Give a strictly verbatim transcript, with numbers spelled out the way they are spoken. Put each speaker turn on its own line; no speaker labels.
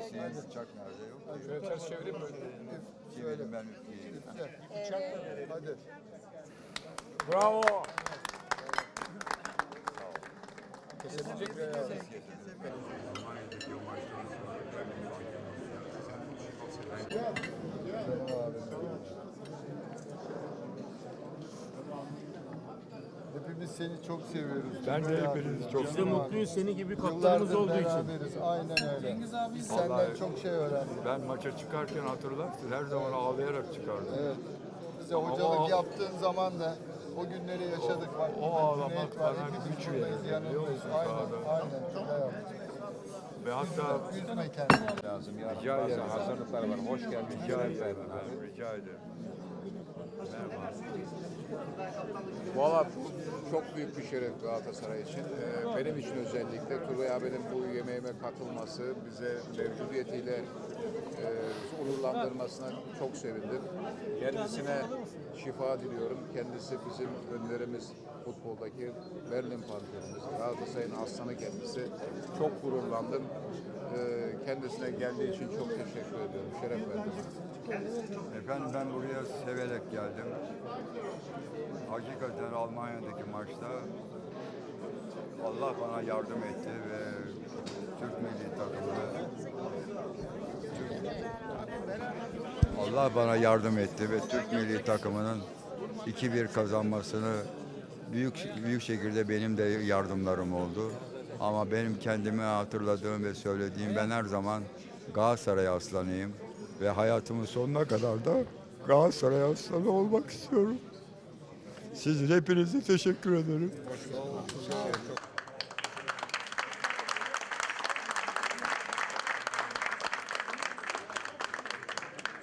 Şeyimiz uçak nerede yok?
Şöyle ters çevireyim mi?
Çevirin ben üfleyeyim.
Hadi.
Bravo. Kesebilecek mi?
Hepimiz seni çok seviyoruz.
Ben de hepinizi çok
Biz de mutluyuz senin gibi kaptanımız
Yıllardır
olduğu için.
beraberiz. Aynen öyle. Biz senden
Vallahi-
çok şey öğrendik.
Ben maça çıkarken hatırlarsın her zaman ağlayarak çıkardım.
Evet. Bize
Ama
hocalık
o-
yaptığın zaman da o günleri yaşadık. Bak,
o ağlamak
Cüneyt var,
bana
hepimiz
güç
buradayız,
verdi, biliyor
yanındayız.
musun
Aynen,
sahada?
aynen. Güzel yaptın.
Ve hatta
Üzme kendini.
lazım. Yarın
Rica
bazı
ederim.
hazırlıklar var. Hoş geldin.
rica ederim. Ben rica ederim. Merhaba.
Valla çok büyük bir şeref Galatasaray için. Ee, benim için özellikle Turgay abinin bu yemeğime katılması, bize mevcudiyetiyle e, onurlandırmasına çok sevindim. Kendisine şifa diliyorum. Kendisi bizim önlerimiz futboldaki Berlin Panterimiz. Galatasaray'ın aslanı kendisi. Çok gururlandım. Ee, kendisine geldiği için çok teşekkür ediyorum. Şeref verdim.
Efendim ben buraya severek geldim. Hakikaten Almanya'daki maçta Allah bana yardım etti ve Türk milli takımını Allah bana yardım etti ve Türk milli takımının iki bir kazanmasını büyük büyük şekilde benim de yardımlarım oldu. Ama benim kendime hatırladığım ve söylediğim ben her zaman Galatasaray aslanıyım ve hayatımın sonuna kadar da Galatasaray aslanı olmak istiyorum. Sizin hepinize teşekkür ederim.